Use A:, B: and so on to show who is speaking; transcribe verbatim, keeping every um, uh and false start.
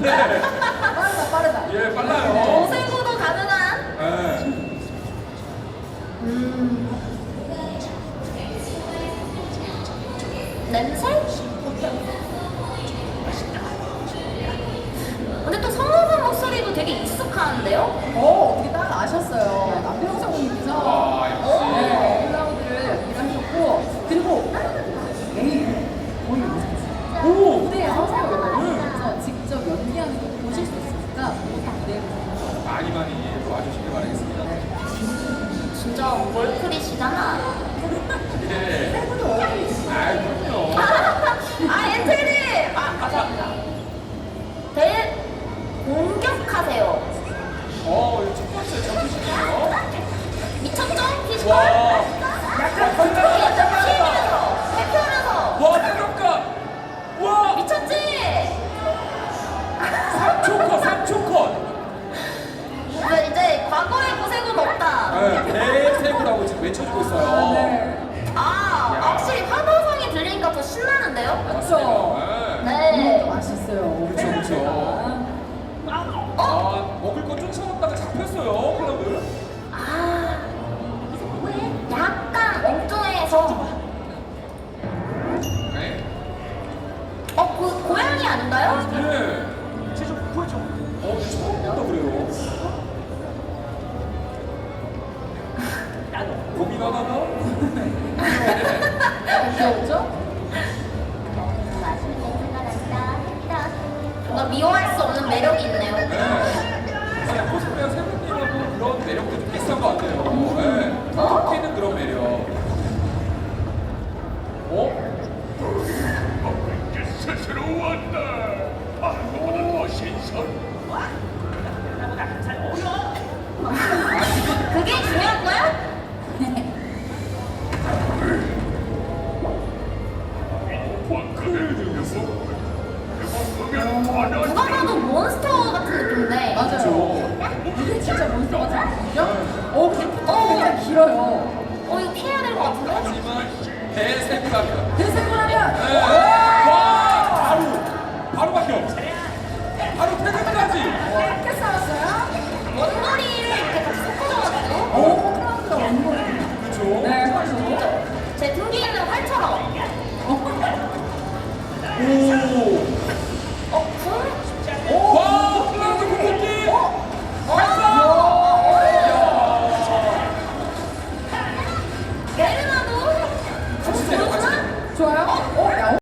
A: 빠르다, 빠르다.
B: 예, 빨라요.
C: 오세구도 가능한.
B: 네.
C: 음. 냄새? 근데 또 성우분 목소리도 되게 익숙한데요?
A: 어, 어떻게 딱 아셨어요. 남편성 성우님께서
B: 와, 역시.
A: 네, 클라우드를 연기를 하셨고, 그리고 내일 거의 오셨어요.
B: 오!
A: 무대에 서세요. 그래서 직접 연기하는 거 보실 수 있으니까 무대에
B: 많이 많이 와주시길 바라겠습니다.
C: 진짜 월클이시잖아.
B: 예. 아, 그럼요.
C: 아, 엔트님! 아, 감사합니다. 대 공격하세요.
B: 어, 이거 첫 번째 잡히시네요.
C: 미쳤죠? 피지컬?
B: 와.
C: 약간 건조기였죠? 피면서, 회피하면서.
B: 와, 타격감! 와!
C: 미쳤지?
B: 삼 초 컷, 삼 초 컷!
C: 근데 이제 과거의 고생은 없다.
B: 네, 대세구라고 지금 외쳐주고 있어요.
A: 네.
C: 아, 확실히 환호성이 들리니까 더 신나는데요?
A: 맞죠?
B: 네.
C: 네.
A: 이것도 맛있어요.
B: 그쵸, 그쵸. 아, 먹을 거 쫓아왔다가 잡혔어요, 클럽을.
C: 아, 약간 엉뚱해서.
B: 네.
C: 어, 그 고양이 아닌가요?
B: 네. 제좀 보여줘. 어, 근데 처음 본다 그래요. 고민하다가?
A: 귀엽죠?
C: 뭔가 미워할 수 없는 매력이 있네요.
B: 네. 그냥 코스프레 세븐님하고 그런 매력도 좀 비슷한 것 같아요. 네. 톡 튀는 그런 매력. 어?
D: 스스로 왔다.